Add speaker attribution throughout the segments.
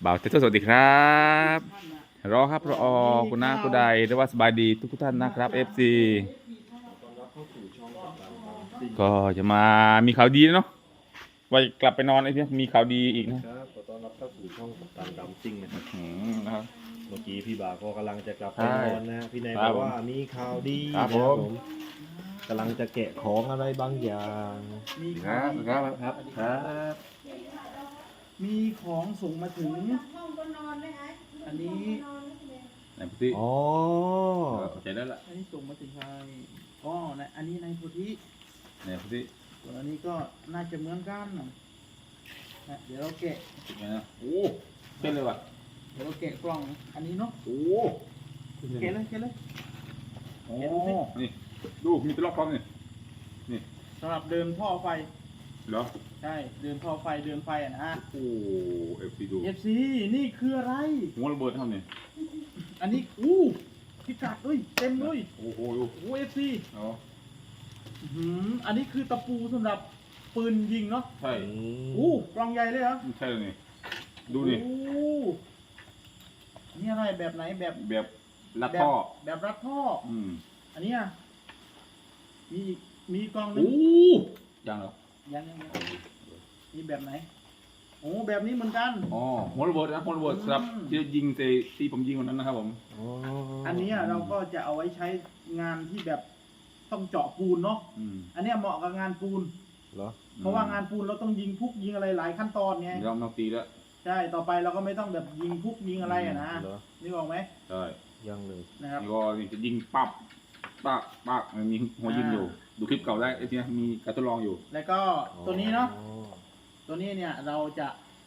Speaker 1: บ่าวเต้สวัสดีครับรอครับรอคุณน้าคุณใดหรือว่าสบายดีทุกท่านนะครับ FC ก็จะมามีข่าวดีเนาะว่ากลับไปนอนไอ้เนี่ยมีข่าวดีอีกนะครับ
Speaker 2: ขอต้อนรับเข้าสู่ช่องกัปตันดำซิ่งนะครับ
Speaker 1: นะครับ
Speaker 2: เมื่อกี้พี่บ่าวก็กำลังจะกลับไป
Speaker 1: ใช่
Speaker 2: นอนนะฮะพี่นาย
Speaker 1: ครับ บ
Speaker 2: อกว่ามีข่าวดี
Speaker 1: ครับ
Speaker 2: นะ
Speaker 1: ผม
Speaker 2: กำลังจะแกะของอะไรบางอย่าง
Speaker 3: มี
Speaker 1: ค
Speaker 3: ขอ
Speaker 1: รับ
Speaker 3: ง
Speaker 1: ครับครับครับ
Speaker 3: มีของส่งมาถึง อันนี้
Speaker 1: ไหนพูดสิ
Speaker 2: อ๋อ
Speaker 1: เข้าใจแล้วล่ะ
Speaker 3: อันนี้ส่งมาถึงใครอ๋อนะอันนี้ในโพธิ
Speaker 1: ไหนพูดสิ
Speaker 3: ส่วนอันนี้ก็น่าจะเหมือนกันนะเดี๋ยวเราแกะ
Speaker 1: ติดไหมนะโอ้เต้นเลยว่ะ
Speaker 3: เดี๋ยวเราแกะกล่อง อันนี้เนาะ
Speaker 1: โอ้
Speaker 3: แกะเลยแกะเลย
Speaker 1: โอ้นี่ดูมีตะลอกคลองนี่
Speaker 3: สำหรับเดินท่อไฟ
Speaker 1: เหรอ
Speaker 3: ใช่ เดินท่อไฟ เดินไฟอ่ะนะ
Speaker 1: โอ้FC ดู
Speaker 3: FC นี่คืออะไร
Speaker 1: หัวระเบิดเท่านี้
Speaker 3: อันนี้พิกัดเอ้ย เต็มเลย
Speaker 1: โอ้โหดู
Speaker 3: โอ้ FC
Speaker 1: อ๋อ
Speaker 3: อันนี้คือตะปูสำหรับปืนยิงเนาะ
Speaker 1: ใช่
Speaker 3: กล่องใหญ่เลยเหรอ
Speaker 1: ใช่เลยนี่ดูนี่
Speaker 3: โอ้นี่อะไรแบบไหนแบบ
Speaker 1: แบบลัดท่อ
Speaker 3: แบบรัดท่อ
Speaker 1: อืม
Speaker 3: อันเนี้ยมีอีกมีกล่องหนึ
Speaker 1: โอ้
Speaker 3: ง
Speaker 1: ยังเหรอ
Speaker 3: ยังมีแบบไหนโอ้แบบนี้เหมือนกัน
Speaker 1: อ๋อหัวระเบิดนะหัวระเบิดครับ
Speaker 3: อืม
Speaker 1: ที่ยิงที่ผมยิงวันนั้นนะครับผม
Speaker 2: อ๋อ
Speaker 3: อันเนี้ยเราก็จะเอาไว้ใช้งานที่แบบต้องเจาะปูนเนาะ
Speaker 1: อืม
Speaker 3: อันเนี้ยเหมาะกับงานปูน
Speaker 2: เหรอ
Speaker 3: เพราะว่างานปูนเราต้องยิงพุกยิงอะไรหลายขั้นตอนไง
Speaker 1: เดี๋ยวเราตีแล้ว
Speaker 3: ใช่ต่อไปเราก็ไม่ต้องแบบยิงพุกยิงอะไรอะนะ
Speaker 2: เหรอ
Speaker 3: นึกออกไหม
Speaker 1: ใช่
Speaker 2: ยังเลย
Speaker 3: นะครับ
Speaker 1: นี่ก็นี่จะยิงปั๊บปั๊บปั๊บมันมีหัวยิงอยู่ ดูคลิปเก่าได้ไอ้ที่มีการทดลองอยู่
Speaker 3: แล้วก็ตัวนี้เนาะ
Speaker 2: อ๋อ
Speaker 3: ตัวนี้เนี่ยเราจะ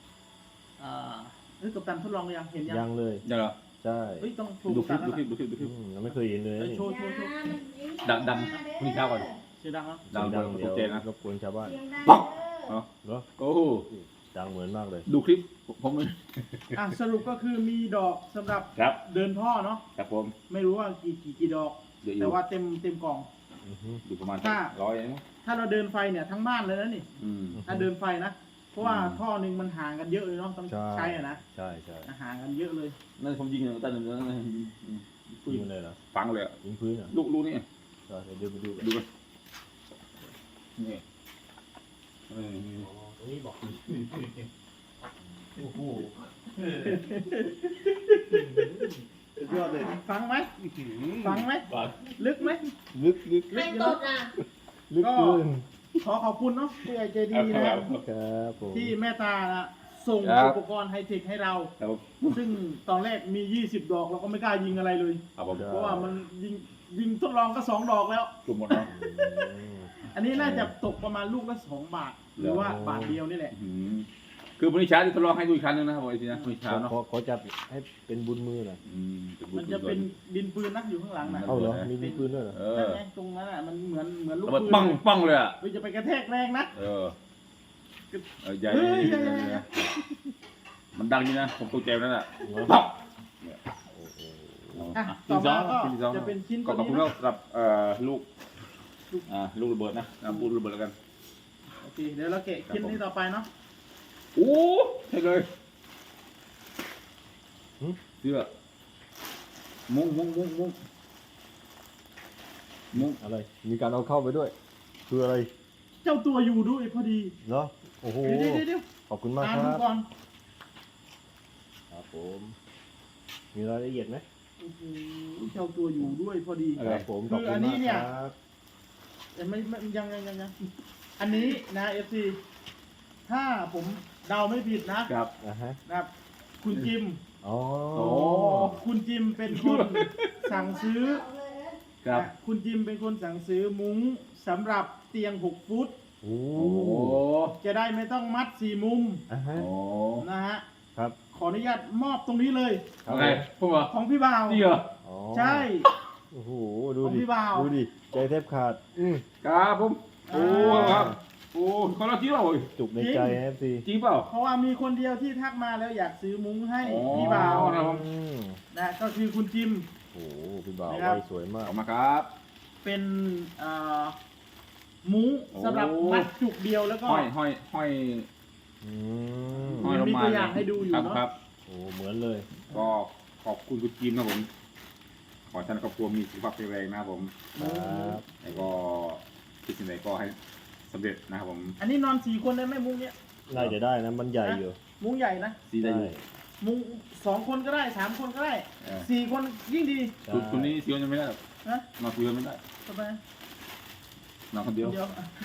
Speaker 3: กัปตันทดลองหรือยังเห็นยัง
Speaker 2: ยังเลย
Speaker 1: ยังเหรอ
Speaker 2: ใช่
Speaker 3: เฮ้ยต้องโช
Speaker 1: ดู
Speaker 3: ว์
Speaker 1: คลิ
Speaker 3: กั
Speaker 1: ป
Speaker 3: ปตัน
Speaker 1: ดู
Speaker 3: แล้ว
Speaker 1: คลิปดูคลิปดูคลิป
Speaker 2: ยังไม่เคยเห็นเลยนี่
Speaker 3: โชว์
Speaker 1: ดังพรุ่งนี้เช้าก่อน
Speaker 3: เสียงดังแล้ว
Speaker 1: ดัง
Speaker 2: ดัง
Speaker 1: ต
Speaker 2: เดี๋ย
Speaker 1: ก
Speaker 2: ว
Speaker 1: ใจนะ
Speaker 2: รบกวนชาวบ้าน
Speaker 1: ปั๊บเนาะ
Speaker 2: เหรอ
Speaker 1: โอ้โห
Speaker 2: ดังเหมือนมากเลย
Speaker 1: ดูคลิปผมเลย
Speaker 3: สรุปก็คือมีดอกสำหรับ
Speaker 1: ครับ
Speaker 3: เดินท่อเนาะ
Speaker 1: ครับผม
Speaker 3: ไม่รู้ว่ากี่ดอก
Speaker 1: เดี๋ยวอ
Speaker 3: แต่
Speaker 1: ยู่
Speaker 3: ว่าเต็มกล่อง
Speaker 2: อือฮึ
Speaker 1: อยู่ประมาณ
Speaker 3: ถ้า
Speaker 1: 100นะ
Speaker 3: ถ้าเราเดินไฟเนี่ยทั้งบ้านเลยนะนี่
Speaker 1: อืม
Speaker 3: ถ้าเดินไฟนะเพราะว่าท่อหนึ่งมันห่างกันเยอะเลยเนาะต้อง
Speaker 2: ใช่
Speaker 3: ใช้อะนะ
Speaker 2: ใช่ใช่
Speaker 3: ห่างกันเยอะเลย
Speaker 1: นั่นผมยิงตั้งแต่นั้น
Speaker 2: ยิงมันเลยเหรอ
Speaker 1: ฟังเลยอะ
Speaker 2: ยิงพื้นเหรอ
Speaker 1: ลูกนี่
Speaker 2: เดี๋ยวไปดูกัน
Speaker 1: ดูกันนี่เออ
Speaker 2: ตรงนี้บอก
Speaker 3: โอ้โหสุดยอดเลยฟังไหมฟังไหม
Speaker 1: ฟัง
Speaker 3: ลึกไหม
Speaker 2: ลึก
Speaker 3: ลึก
Speaker 4: ไม่
Speaker 3: อยู่
Speaker 4: ต
Speaker 3: เนอะ
Speaker 4: ดอ่ะ
Speaker 2: ลึกเกิน
Speaker 3: ขอขอบคุณเนาะผู้ใหญ่ใจดี
Speaker 1: ค
Speaker 3: นะ
Speaker 1: รับ
Speaker 2: ครับผม
Speaker 3: ที่แม่ตานะส่ง
Speaker 1: ครับ
Speaker 3: อุปกรณ์ไฮเทคให้เรา
Speaker 1: ครับผม
Speaker 3: ซึ่งตอนแรกมี 20 ดอกเราก็ไม่กล้ายิงอะไรเลย
Speaker 1: ครับผม
Speaker 3: เพราะว่ามันยิงทดลองก็ 2 ดอกแล้ว
Speaker 1: กลุ่มหมดเนาะ
Speaker 3: อันนี้น่าจะตกประมาณลูกละ2 บาท หรือว่าบาทเดียวนี่แหละ
Speaker 1: อืมคือวันนี้เช้าที่ทดลองให้ดูอีกครั้งหนึงนะครับผมไอ้ทีนะวันนี้เช้าเนาะ
Speaker 2: ขอจับให้เป็นบุญมือหน่อย
Speaker 1: อืม
Speaker 3: มันจะเป็นดินปืนนักอยู่ข้างหลังนะ
Speaker 2: เอาเหรอมีดินปืนด้วยเหรอ
Speaker 1: เอ
Speaker 3: นั่
Speaker 1: อน
Speaker 3: ไงตรงนั้นอ่ะมันเหมือนลูก
Speaker 1: ระเบิด
Speaker 3: ปืน
Speaker 1: ปังปังเลยอ่ะ
Speaker 3: เฮ้ยจะไปกระแทกแรงนะ
Speaker 1: เออใหญ่
Speaker 3: เฮ้ย
Speaker 1: มันดังนี่นะผมตกใจนั่นแหละ
Speaker 2: เหรอ
Speaker 1: ปั๊บ
Speaker 3: อ่ะต่อมาก็
Speaker 1: ชิ้นที่สอง
Speaker 3: จะเป็นชิ้น
Speaker 1: ก็
Speaker 3: ตัว
Speaker 1: ขอบ
Speaker 3: นี้
Speaker 1: คุณ
Speaker 3: นะ
Speaker 1: สำหรับลูกลูกระเบิดนะพูดระเบิดแล้วกัน
Speaker 3: โอเคเดี๋ยวเราแกะชิ้นนี้ต่อไปเนาะ
Speaker 1: โอ้ใช่เลยเสื้อมุ้ง
Speaker 2: อะไร มีการเอาเข้าไปด้วย คืออะไร
Speaker 3: เจ้าตัวอยู่ด้วยพอดี
Speaker 2: เนาะโอ้โห
Speaker 3: เดี๋ยว
Speaker 2: ขอบคุณมาก
Speaker 3: อ่าน
Speaker 2: ค
Speaker 3: ดู
Speaker 2: รับ
Speaker 3: ก่อน
Speaker 2: ครับผม มีรายละเอียดไหม
Speaker 3: โอ้โหเจ้าตัวอยู่ด้วยพอดี
Speaker 2: ครับผม
Speaker 3: คือ
Speaker 2: ขอบคุณ
Speaker 3: อันนี้
Speaker 2: มาก
Speaker 3: เนี่ย
Speaker 2: ครับ
Speaker 3: แต่ไม่ยังอันนี้นะเอฟซีถ้าผมเดาไม่ผิดนะครับ
Speaker 2: นะฮะ
Speaker 3: นะครับ คุณจิม
Speaker 2: อ๋อ
Speaker 1: โอ้
Speaker 3: คุณจิมเป็นคนสั่งซื้อ
Speaker 1: ครับ
Speaker 3: นะคุณจิมเป็นคนสั่งซื้อมุ้งสำหรับเตียง6 ฟุต
Speaker 2: โอ้
Speaker 1: โอ้
Speaker 3: จะได้ไม่ต้องมัด4 มุม
Speaker 2: อ่ะฮะ
Speaker 1: โอ้
Speaker 3: นะฮะ
Speaker 2: ครับ
Speaker 3: ขออนุญาตมอบตรงนี้เลย
Speaker 2: ครับ
Speaker 1: อะไรพวกเหรอ
Speaker 3: ของพี่บ่าว
Speaker 1: จริงเหรอ
Speaker 2: อ๋อ
Speaker 3: ใช่
Speaker 2: โอ้โห ดู
Speaker 3: ของ
Speaker 2: ดิ
Speaker 3: พี่บ่าว
Speaker 2: ดูดิ ใจแทบขาด
Speaker 1: ครับผมโอ้
Speaker 3: อ่า
Speaker 1: ครับโอ้คนละจริงเหรอ
Speaker 2: จุกในใจเอฟซี
Speaker 1: จริงเปล่า
Speaker 3: เพราะว่ามีคนเดียวที่ทักมาแล้วอยากซื้อมุ้งให้
Speaker 1: อ๋อ
Speaker 3: พี่บ่าว
Speaker 1: ครับผม
Speaker 3: นะก็คือคุณจิม
Speaker 2: โอ้โห พี่บ่าว
Speaker 3: นะครับ
Speaker 2: ไว้สวยมาก
Speaker 1: ออกมาครับ
Speaker 3: เป็นมุ้ง
Speaker 1: โอ้
Speaker 3: สำหรับมัดจุกเดียวแล้วก็
Speaker 1: ห้อย
Speaker 2: อื
Speaker 1: ห้อยลง
Speaker 3: มี
Speaker 1: มา
Speaker 3: ตัวอย่างให้ดูอยู่
Speaker 1: ครับ
Speaker 3: เนอะ
Speaker 1: ครับ
Speaker 2: โอ้เหมือนเลย
Speaker 1: ก็ขอบคุณคุณจีนนะผมขอให้ท่านครอบครัวมีสุขภาพแข็งแรงนะครับผม
Speaker 2: ครับ
Speaker 1: แล้วก็คิดสิ่งใดก็ให้สำเร็จนะครับผม
Speaker 3: อันนี้นอน4 คนได้ไหมมุ้งเนี้ย
Speaker 2: น่าจะได้นะมันใหญ่อยู่
Speaker 3: มุ้งใหญ่นะ
Speaker 1: ซีได้อยู่
Speaker 3: มุ้ง2 คนก็ได้3 คนก็ได้
Speaker 1: เออ
Speaker 3: 4 คนยิ่งดี
Speaker 2: ใช่
Speaker 1: คุณนี้ซียังไม่ได้หรอก
Speaker 3: นะ
Speaker 1: นอนคนเดียวไม่ได้
Speaker 3: ทำไม
Speaker 1: นอนคนเดียว
Speaker 3: เดียว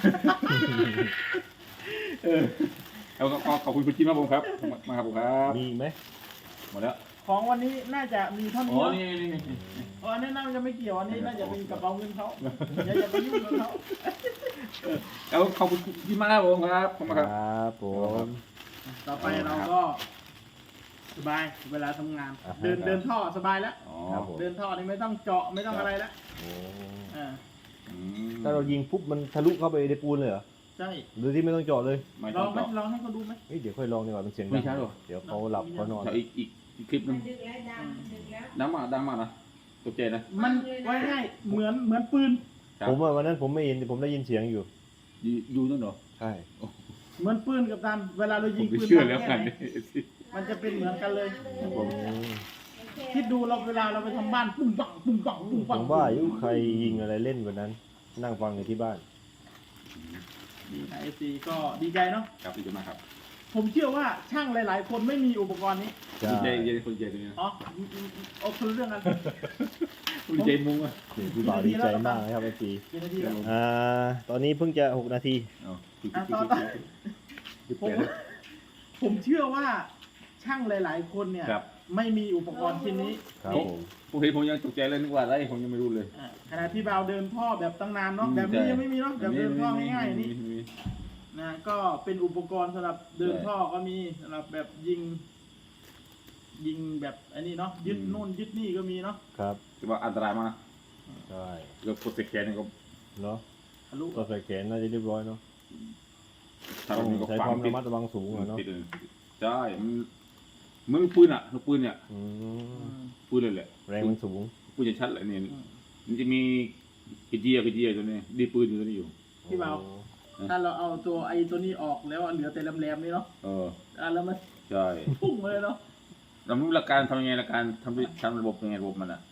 Speaker 1: แล้วก็ขอบคุณคุณจีนมากผมครับมาครับผมครับ
Speaker 2: มีอีกไหม
Speaker 1: หมดแล้ว
Speaker 3: ของวันนี้น่าจะมีเท่า
Speaker 1: อ๋
Speaker 3: นี้
Speaker 1: อ
Speaker 3: เนอะ
Speaker 1: นี่
Speaker 3: อ๋ออันนี้น่าจะไม่เกี่ยวอันนี้น่าจะเป็นกระเป๋าเงินเขาอย่าไปยุ่งกับเขา
Speaker 1: แล้วขอบคุณคุณจีนมากครับผมครับขอบคุณ
Speaker 2: ค
Speaker 1: ครับ
Speaker 2: รับผม
Speaker 3: ต่อไปเราก็สบายเวลาทำงาน เดินท่อสบายแล้ว
Speaker 1: อ๋อ
Speaker 2: ครับผม
Speaker 3: เดินท่อนี่ไม่ต้องเจาะไม่ต้องอะไรแล้ว
Speaker 2: โอ้
Speaker 3: อ่า
Speaker 1: อืม
Speaker 2: ถ้าเรายิงปุ๊บมันทะลุเข้าไปในปูนเลยเหรอ
Speaker 3: ใช่
Speaker 2: หรือที่ไม่ต้องเจาะเลย
Speaker 1: ไม่
Speaker 3: ล
Speaker 1: ต้
Speaker 3: อ
Speaker 1: อง ง
Speaker 3: ไหม
Speaker 1: เจาะ
Speaker 3: ลองให้เขาดูไหม
Speaker 2: เฮ้ยเดี๋ยวค่อยลองดีกว่ามันเสียง
Speaker 1: ไม่
Speaker 2: ดัง
Speaker 1: ใช่หรอ
Speaker 2: เดี๋ยวเขาหลับเขานอน
Speaker 1: เดี๋ยวอีกคลิปหนึง
Speaker 4: ดึกแล้วดึกแล้ว
Speaker 1: ดังมากนะตกใจนะ
Speaker 3: มันไว้ง่ายเหมือนปืน
Speaker 1: ครับ
Speaker 2: ผมว่าวันนั้นผมไม่ยินผมได้ยินเสียงอยู่
Speaker 1: อยู่นั่นเหรอ
Speaker 2: ใช่
Speaker 3: เหมือนปืนกับตันเวลาเรา
Speaker 1: ผ
Speaker 3: ยิ
Speaker 1: ม
Speaker 3: ง
Speaker 1: ไม่
Speaker 3: ปืน
Speaker 1: เชื่อ
Speaker 3: ดัง
Speaker 1: แล้ว
Speaker 3: แค่
Speaker 1: กัน
Speaker 3: ไหนมันจะเป็นเหมือนกันเลย
Speaker 2: ผม
Speaker 3: คิดดูเราเวลาเราไปทำบ้านปุ้งปังปุ้งปังปุ้ง
Speaker 2: ผ
Speaker 3: ปัง
Speaker 2: มว่าอายุใครยิงอะไรเล่นวันนั้น นั่งฟังอยู่ที่บ้าน
Speaker 3: ดีนะเอฟซีก็ดีใจเนาะ
Speaker 1: ครับดีมากครับ
Speaker 3: ผมเชื่อว่าช่างหลาย ๆ คนไม่มีอุปกรณ์นี้
Speaker 2: ใช่
Speaker 1: ดีใจดีใจคนใจตรงนี้นะ
Speaker 3: อ๋อเอาคนละเรื่องกัน
Speaker 1: ดีใจมุ้งอ่ะ
Speaker 2: พี่บ่าวดีใจมากนะครับไอจี
Speaker 3: กี่นาทีแล้ว
Speaker 2: ตอนนี้เพิ่งจะ6 นาที
Speaker 1: อ๋อ
Speaker 3: ผมเชื่อว่าช่างหลาย ๆ คนเนี่ย
Speaker 1: ครับ
Speaker 3: ไม่มีอุปกรณ์ชิ้นนี้
Speaker 2: ครับผม
Speaker 1: ผมเห็นผมยังตกใจเลยนึกว่าอะไรผมยังไม่รู้เลย
Speaker 3: ขณะที่บ่าวเดินท่อแบบตั้งนานเนาะแบบนี้ยังไม่มีเนาะแบบเดินท่อง่ายๆนี่นะก็เป็นอุปกรณ์สำหรับเดินท่อก็มีสำหรับแบบยิงแบบอันนี้เนาะยึดโน่นยึดนี่ก็มีเนาะ
Speaker 2: ครับ
Speaker 1: แต่ว่าอันตรายมากนะ
Speaker 2: ใช่
Speaker 1: แล้วกดสแกนนี่ก็
Speaker 2: เนาะ
Speaker 3: ทะลุ
Speaker 2: ก็ใส่แขนน่าจะเรียบร้อยเนาะ
Speaker 1: ถ้า
Speaker 2: ต้
Speaker 1: เรา
Speaker 2: อง
Speaker 1: มีก็
Speaker 2: ใช้
Speaker 1: ฝัง
Speaker 2: ความ
Speaker 1: ติ
Speaker 2: ระ
Speaker 1: ด
Speaker 2: มัดระวังสูงอะเนาะ
Speaker 1: ติดเลยใช่มันลูกปืนอ่ะลูกปืนเนี่ย
Speaker 2: อืม
Speaker 1: ปืนเลยแหละ
Speaker 2: แรงมันสูง
Speaker 1: ปืนจะชัดเลยเนี่ยมันจะมีกระเจียตัวนี้ดีปืนอยู่ตัวนี้อยู่
Speaker 3: พี่บ่าวถ้าเราเอาตัวไอ้ตัวนี้ออกแล้วเหลือแต่แหลมๆนี่เนาะ
Speaker 1: เออ
Speaker 3: แล้วมัน
Speaker 1: ใช่
Speaker 3: พุ่งมาเลยเนาะ
Speaker 1: เรารู้หลักการทำยังไงหลักการทำระบบยังไงระบบมันอ่ะ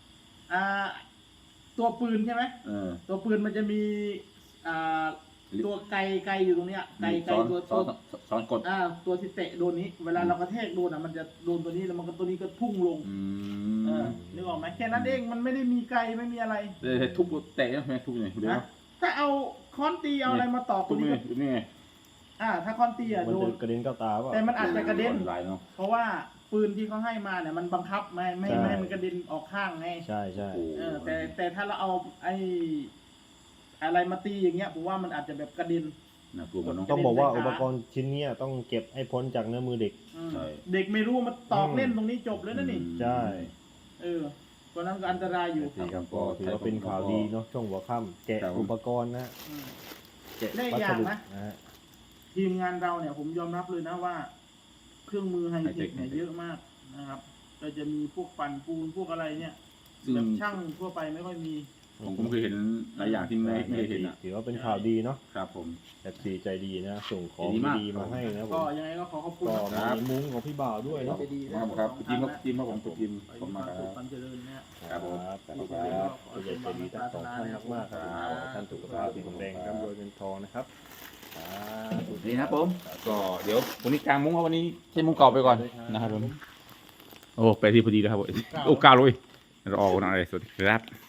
Speaker 3: ตัวปืนใช่ไหม
Speaker 1: เออ
Speaker 3: ตัวปืนมันจะมีตัวไกอยู่ตรงเนี้ยไก
Speaker 1: ซ้อน
Speaker 3: ตัว
Speaker 1: ซ้อนกด
Speaker 3: ตัวที่เตะโดนนี้ เวลาเรากระแทกโดนมันจะโดนตัวนี้แล้วมันก็ตัวนี้ก็พุ่งลง
Speaker 1: อื
Speaker 3: นึกออกไหมแค่นั้นเองมันไม่ได้มีไกไม่มีอะไร
Speaker 1: เลยทุบแตะใช่ไหมทุบยังไงเดี๋ยว
Speaker 3: นะถ้าเอาค้อนตีเอาอะไรมาตอกต
Speaker 1: ทุ
Speaker 3: ร
Speaker 1: บ
Speaker 3: งนี้
Speaker 1: นี่
Speaker 3: ก็
Speaker 1: นี่ไง
Speaker 3: ถ้าค้อนตี
Speaker 2: มัน
Speaker 3: โด
Speaker 2: จะ
Speaker 3: น
Speaker 2: กระเด็นเข้าตาเปล่า
Speaker 3: แต่มันอาจจะกระเด็น
Speaker 1: หลายเนาะ
Speaker 3: เพราะว่าปืนที่เขาให้มาเนี่ยมันบังคับไม่ให้มันกระเด็นออกข้างไง
Speaker 2: ใช่ใช่
Speaker 3: แต่ถ้าเราเอาไอ้อะไรมาตีอย่างเงี้ยผมว่ามันอาจจะแบบกระเด็น
Speaker 1: น่ากลัวมันเนาะ
Speaker 2: ต้องบอกว่าอุปกรณ์ชิ้นเนี้ยต้องเก็บให้พ้นจากเนื้อมือเด็ก
Speaker 1: ใช่
Speaker 3: เด็กไม่รู้มาตอกเล่นตรงนี้จบเลยนะนี่
Speaker 2: ใช่
Speaker 3: เพราะนั้นก็อันตรายอยู่
Speaker 2: ครับก็ถือว่าเป็นข่าวดีเนาะช่วงหัวค่ำแกะอุปกรณ์นะ
Speaker 3: อืม
Speaker 2: แกะ
Speaker 3: ได้
Speaker 2: วั
Speaker 3: อย่า
Speaker 2: ส
Speaker 3: ง
Speaker 2: ดุ
Speaker 3: นะ
Speaker 2: นะฮะ
Speaker 3: ทีมงานเราเนี่ยผมยอมรับเลยนะว่า เครื่องมือไฮเทคเนี่ยเยอะมากนะครับ ก็จะมีพวกปั่นปูนพวกอะไรเนี่ย
Speaker 1: ซึ่ง
Speaker 3: แบบช่างทั่วไปไม่ค่อยมี
Speaker 1: ผมเคยเห็นหลายอย่างที่ไม่เคยเห็นอ่ะ
Speaker 2: ถือว่าเป็นข่าวดีเนาะ
Speaker 1: ครับผม
Speaker 2: แบบสีใจดีนะส่งของ
Speaker 1: ดีมาก
Speaker 2: ดีมาให้นะผ
Speaker 3: ก็
Speaker 2: ม
Speaker 3: ยังไงก็ขอขอบคุณ
Speaker 2: ก็
Speaker 3: นะ
Speaker 2: มีมุ้งของพี่บ่าวด้วยเนาะ
Speaker 3: ใจดี
Speaker 1: ครับครับทีมครับผมทีมขอบคุณมากครับ
Speaker 3: ความเจริญเนี่ย
Speaker 1: ครับผม
Speaker 2: ครับผู้ใหญ่ใจดีทั้งสองท่านมากๆครับขอให้ท่านสุขภาพแข็งแรงร่ำรวยเงินทองนะครับสาธุ
Speaker 1: นี่นะครับผมก็เดี๋ยววันนี้กลางมุ้งครับวันนี้ใช้มุ้งเก่าไปก่อนนะครับผมโอ้ไปที่พอดีแล้วครับโอ้9เลยเราออกกันอะไรสวัสดีครับ